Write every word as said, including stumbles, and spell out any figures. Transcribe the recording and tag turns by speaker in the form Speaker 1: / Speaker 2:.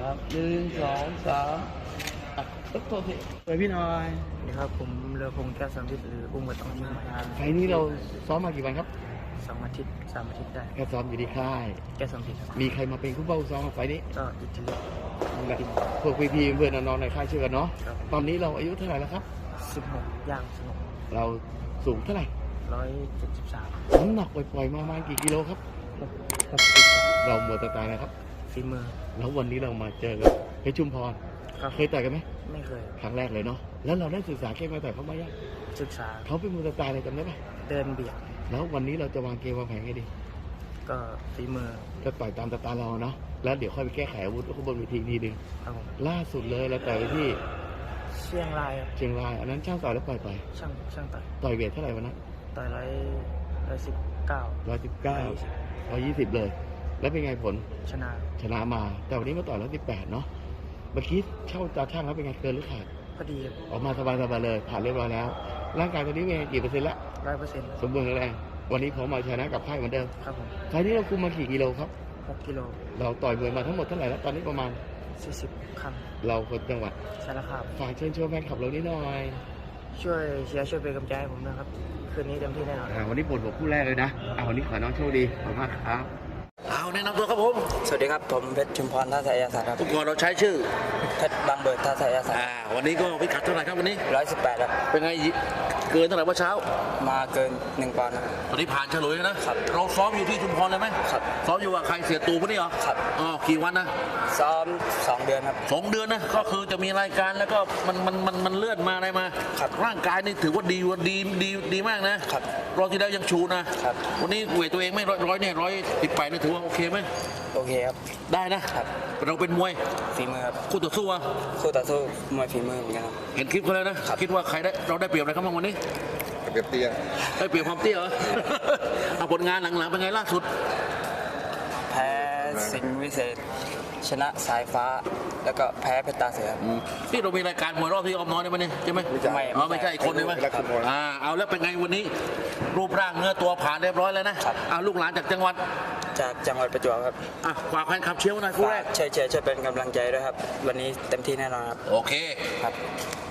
Speaker 1: ครับหนึ่งสองสามอ่ะปึ๊บตัวพี่ไปพี่หน่อย
Speaker 2: สวัสดีครับผมเรือพงษ์แก้วสำริดหรืออุ้มกระตองยิงมา
Speaker 1: ไฟล์นี้เราซ้อมมากี่วันครับ
Speaker 2: สองอาทิตย์สามอาทิตย์ได้
Speaker 1: แค่ซ้อมอยู่ที่ค่าย
Speaker 2: แก้วสำริดครับ
Speaker 1: มีใครมาเป็นคู่เป้าซ้อมกับไฟล์นี้
Speaker 2: ก็อิตาลี
Speaker 1: และพวกพี่ๆเพื่อนน้องๆในค่ายเชื่อกันเนาะ
Speaker 2: ครับ
Speaker 1: ตอนนี้เราอายุเท่าไหร่แล้วครับ
Speaker 2: สิบหกย่างสิบหก
Speaker 1: เราสูงเท่าไหร่
Speaker 2: ร้อยเจ็ดสิบสาม
Speaker 1: น้ำหนักปล่อยๆมาประมาณกี่กิโลครับ
Speaker 2: หกสิบ
Speaker 1: เราหมดสไตล์นะครับ
Speaker 2: ฝีมือ
Speaker 1: แล้ววันนี้เรามาเจอกับเพชรชุมพร
Speaker 2: ครับ
Speaker 1: เคยต่อยกันไหม
Speaker 2: ไม่เคย
Speaker 1: ครั้งแรกเลยเนาะแล้วเราได้ศึกษาเกมมาต่อยเขามายัง
Speaker 2: ศึกษา
Speaker 1: เขาเป็นมือสไตล์อะไรจำได้ไหม
Speaker 2: เดินเบียด
Speaker 1: แล้ววันนี้เราจะวางเกมวางแผนไงดี
Speaker 2: ก็ฝีมือ
Speaker 1: ก็ต่อยตามสไตล์เราเนาะแล้วเดี๋ยวค่อยไปแก้ไขอาวุธข้างบนเวทีอีกทีหนึง
Speaker 2: ครับผม
Speaker 1: ล่าสุดเลยเราต่อยไปที่
Speaker 2: เชียงรายครับ
Speaker 1: เชียงรายอันนั้นช่างต่อยแล้วปล่อยไป
Speaker 2: ช่างช่างต่อย
Speaker 1: ต่อยเวทเท่าไหร่วันนั้น
Speaker 2: ต่อยร้อยร้อยสิบเก้า
Speaker 1: ร้อยสิบเก้าร้อยยี่สิบเลย แล้วเป็นไงผล
Speaker 2: ชนะ
Speaker 1: ชนะมา แต่วันนี้มาต่อยร้อยสิบแปดเนาะเมื่อกี้เช่าตาช่างแล้วเป็นไงเกินหรือขาด
Speaker 2: พอดี
Speaker 1: ออกมาสบายๆเลยผ่านเรียบร้อยแล้ว ร่างกายตอนนี้เป็นไงกี่เปอร์เซ็นต์ละ
Speaker 2: ร้อยเปอร์เซ็นต์
Speaker 1: สมบูรณ์แข็งแรงวันนี้ผมมาชนะกับค่ายเหมือนเดิม
Speaker 2: ครับผม
Speaker 1: ไฟล์นี้เราคุมมากี่กิโลครับ
Speaker 2: หกกิโล
Speaker 1: เราต่อยมวยมาทั้งหมดเท่าไหร่แล้วตอนนี้ประมาณ
Speaker 2: สี่สิบครั้ง
Speaker 1: เราคนจังหวัด
Speaker 2: สารคาม
Speaker 1: ฝากเชิญชวนแฟนคลับเรานิดหน่อย
Speaker 2: ช่วยเชียร์ช่วยเป็นกำลังใจให้ผมนะครับ คืนนี้เต็มที่แน่นอน
Speaker 1: อ่าวันนี้ปวดหัวคู่แรกเลยนะอ่าวันนี้ขอน้องโชคดีขอบคุณมากครับ
Speaker 3: เอาแนะนำตัวครับผม
Speaker 2: สวัสดีครับผมเพชรชุมพรท่าสายาศาสตร์ครับ
Speaker 3: ทุกคนเราใช้ชื่อ
Speaker 2: เพชรบางเบิดท่าสายาศาสตร์
Speaker 3: อ่าวันนี้ก็พิกัดเท่าไหร่ครับวันนี้
Speaker 2: ร้อยสิบแปดครับ
Speaker 3: เป็นไงเกินเท่าไหร่เมื่อเช้า
Speaker 2: มาเกินหนึ่งปอนด์ครับ
Speaker 3: ตอนนี้ผ่านเฉลยแล้วนะครับ เราซ้อมอยู่ที่ชุมพรเลยไหม
Speaker 2: ครับ
Speaker 3: ซ้อมอยู่กับใครเสียตูปะนี่เหรอ
Speaker 2: ครับ
Speaker 3: อ๋อกี่วันนะ
Speaker 2: ซ้อมสองเดือนครับ
Speaker 3: สองเดือนนะก็คือจะมีรายการแล้วก็มันมันมันมันเลื่อนมาอะไรมา
Speaker 2: ครับ
Speaker 3: ร่างกายนี่ถือว่าดีว่าดีดีดีมากนะครับ รอบที่แล้วยังชูนะครับ วันนี้เวทตัวเองไม่ร้อยร้อยเนี่ยร้อยสิบแปดนี่ถือว่าโอเคไหม
Speaker 2: โอเคครับ
Speaker 3: ได้นะครับ เราเป็นมวย
Speaker 2: ฝีมือครับ
Speaker 3: คู่ต่อสู้อะ
Speaker 2: คู่ต่อสู้มวยฝีมือเหมือนกันครับ
Speaker 3: เห็นคลิปเขาแล้วนะครับ คิดว่าใครได้เราได้เปรียบอะไรครับบ้างวันนี้
Speaker 4: เปรียบเตียง
Speaker 3: ได้เปรียบความเตี้ยเหรอ เอาผลงานหลังๆเป็นไงล่าสุด
Speaker 2: แพ้สิงห์วิเศษ ชนะสายฟ้า แล้วก็แพ้เพชรตาเสือ
Speaker 3: อืมนี่เรามีรายการมวยรอบที่ออมน้อยได้ไหมเนี่ยใช่ไหม
Speaker 2: ไม่
Speaker 3: อ๋อไม่ใช่อีกคนนึงไหม
Speaker 4: ไม่ใช่
Speaker 3: อ่าเอาแล้วเป็นไงวันนี้ รูปร่างเนื้อตัวผ่านเรียบร้อยแล้วนะครับ อ่าลูกหลานจากจังหวัด
Speaker 2: จากจังหวัดประจวบครับ
Speaker 3: อ่ะฝากแฟนคลับเชียร์หน่อยคู่แร
Speaker 2: ฝาก กช่วยเชียร์ช่วยเป็นกำลังใจด้วยครับ วันนี้เต็มที่แน่นอนครับ
Speaker 3: โอเค
Speaker 2: ครับ